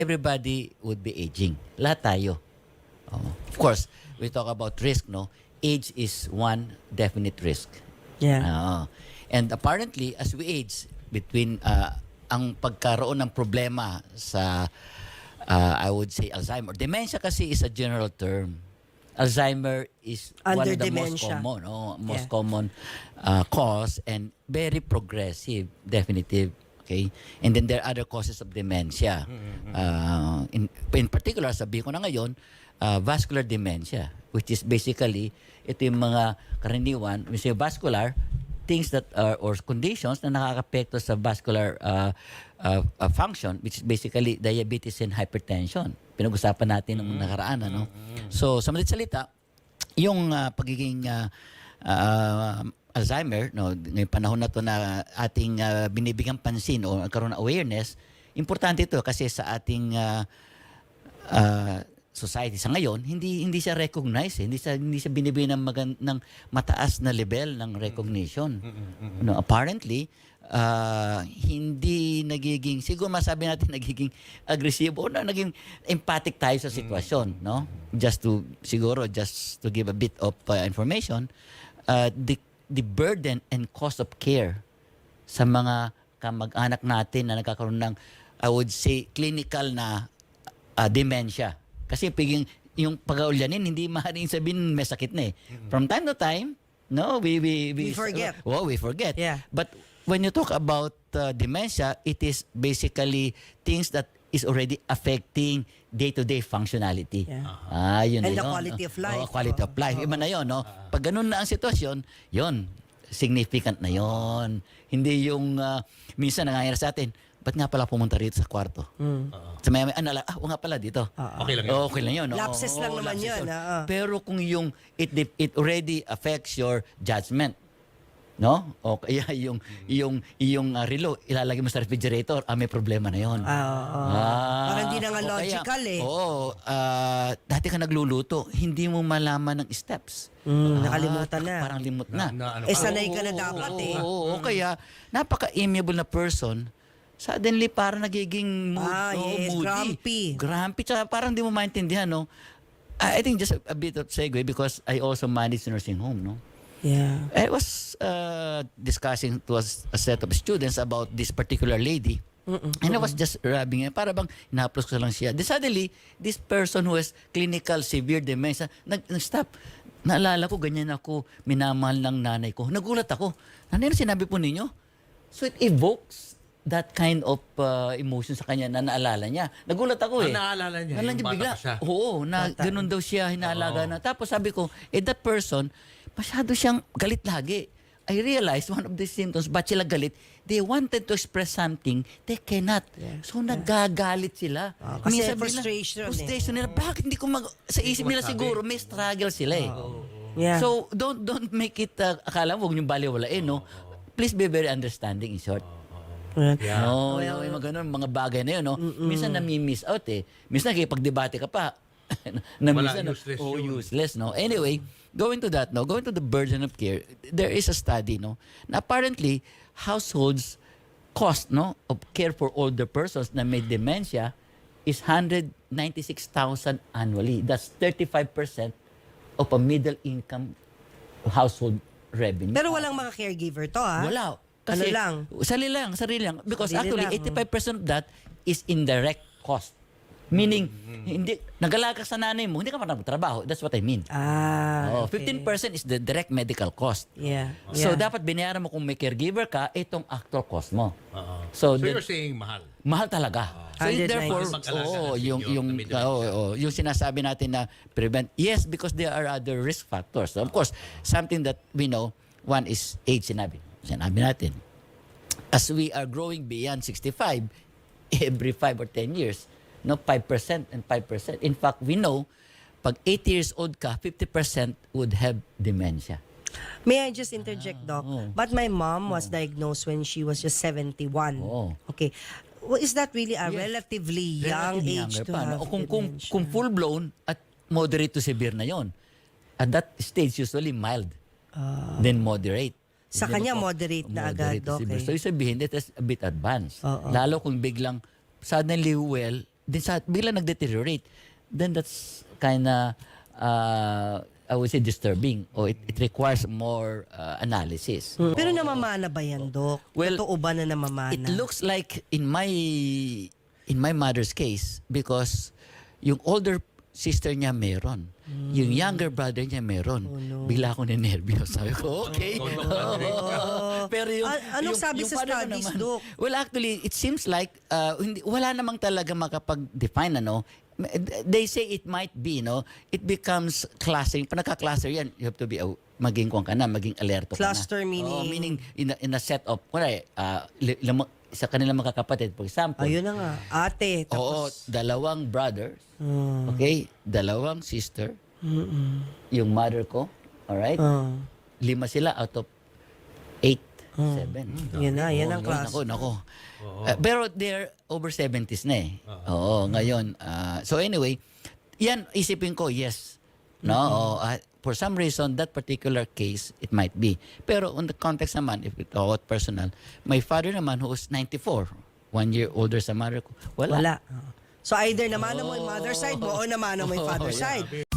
everybody would be aging. Lahat tayo. Of course, we talk about risk, no? Age is one definite risk. Yeah. And apparently, as we age, between ang pagkaroon ng problema sa, I would say, Alzheimer. Dementia kasi is a general term. Alzheimer is one Under of the dementia. most common cause and very progressive, definitive. Okay? And then there are other causes of dementia. In particular, sabihin ko na ngayon, vascular dementia, which is basically, ito yung mga karaniwan, we say vascular, things that are, or conditions na nakakapekto sa vascular function, which is basically diabetes and hypertension. Pinag-usapan natin nung nakaraan, ano? So, sa madaling salita, yung pagiging Alzheimer, no, ngayong panahon na to na ating binibigyan pansin o karoon ng awareness, importante ito kasi sa ating society sa ngayon, hindi siya recognized, hindi siya binibigyan ng mataas na level ng recognition. No, apparently, hindi nagiging, siguro masabi natin nagiging agresibo o naging empathic tayo sa sitwasyon, no? Just to give a bit of information, the burden and cost of care sa mga kamag-anak natin na nagkakaroon ng, I would say, clinical na dementia. Kasi yung pag-aulyanin, hindi maaaring sabihin may sakit na eh. From time to time, no, we forget. We forget. Yeah. But when you talk about dementia, it is basically things that is already affecting day-to-day functionality. Yeah. Yun And na the yun, quality no? of life. Quality of life. Iba na yun, no? Pag ganun na ang sitwasyon, yun, significant na yun. Hindi yung minsan nangyayari sa atin, ba't nga pala pumunta rito sa kwarto? Sa may nga pala dito. Okay lang yun. Okay lang yun. No? Lapses lang naman lapses yun. Pero kung yung it already affects your judgment, no? O kaya yung relo ilalagay mo sa refrigerator, may problema na yon. Parang hindi na nga o kaya, logical eh. Dati ka nagluluto, hindi mo malaman ng steps. Nakalimutan na. Parang limot na. Sanay ka na dapat eh. Oo, kaya napaka-amiable na person, suddenly parang nagiging Yes, moody. Grumpy. Tsaka parang di mo maintindihan, no? I think just a bit of segue because I also manage nursing home, no? Yeah. I was discussing to a set of students about this particular lady. And I was just rubbing it. Para bang ina-applause ko lang siya. Then suddenly, this person who has clinical severe dementia, nag-stop. Naalala ko, ganyan ako, minamahal ng nanay ko. Nagulat ako. Nanay, ano sinabi po ninyo? So it evokes that kind of emotion sa kanya na naalala niya. Nagulat ako eh. Naalala niya? Naalala Yung niya bata bigla. pa siya? Oo, ganun daw siya, hinaalaga na. Tapos sabi ko, that person, masyado siyang galit lagi. I realized one of the symptoms, ba't sila galit? They wanted to express something, they cannot. So nagagalit sila. Kasi Minsan frustration nila. Bakit hindi ko sa isip nila siguro, may struggle sila eh. Yeah. So don't make it, akala mo, huwag niyong baliwalain, no? Please be very understanding in short. Yeah. No, yung mga ganun, mga bagay na yun, no? Minsan nami-miss out eh. Minsan nakipag-debate ka pa. Useless yun. Useless, no? Anyway, going to the burden of care, there is a study, no? Na apparently, households cost, no, of care for older persons na may dementia is 196,000 annually. That's 35% of a middle income household revenue. Pero walang mga caregiver to Wala. Kasi, sarili lang. Because Sarili actually, lang. 85% of that is indirect cost. Meaning, nag-alaga sa nanay mo, hindi ka pa nagtrabaho. That's what I mean. 15% is the direct medical cost. Yeah. So, dapat binayaran mo kung may caregiver ka, itong actual cost mo. So you're saying mahal? Mahal talaga. So, 190. therefore, yung sinasabi natin na prevent, yes, because there are other risk factors. So, of course, something that we know, one is age, sinabi natin. As we are growing beyond 65, every 5 or 10 years, 5% and 5%. In fact, we know, pag 80 years old ka, 50% would have dementia. May I just interject, Doc? But my mom was diagnosed when she was just 71. Okay. Well, is that really a relatively young age to have dementia? Kung full-blown at moderate to severe na yon. At that stage, usually mild. Then moderate. Sa kanya, moderate na agad, to severe. okay. So, sabihin, that is a bit advanced. Lalo kung biglang suddenly din sa bigla nag-deteriorate, then that's kinda I would say disturbing, or it requires more analysis. Pero namamana ba yan, Dok? Well, Totoo ba na namamana? It looks like in my mother's case, because yung older sister niya meron. Yung younger brother niya meron. Oh, no. Bigla ako ninervyos. Sabi ko, okay. Pero yung, Anong sabi sa father ko studies, naman, Doc? well, actually, it seems like wala namang talaga makapag-define, ano. They say it might be, no? It becomes clustering. Pag nagka-cluster yan, you have to be maging kung ka na, maging alerto ka na. Cluster meaning? Oo, meaning in a set of, kunwari, sa kanilang magkakapatid, for example. Ayun na nga. Ate. Oo, Tapos, dalawang brothers, okay? Dalawang sister, yung mother ko, alright? 5 sila out of 8, 7. Yan ang class. Nako. Pero they're over 70s na eh. Oo, ngayon. So anyway, yan, isipin ko, yes. No, for some reason, that particular case, it might be. Pero on the context naman, if we talk about personal, my father naman who was 94, 1 year older sa mother ko, wala. Wala. So either namana mo yung mother side mo o namana mo yung father side.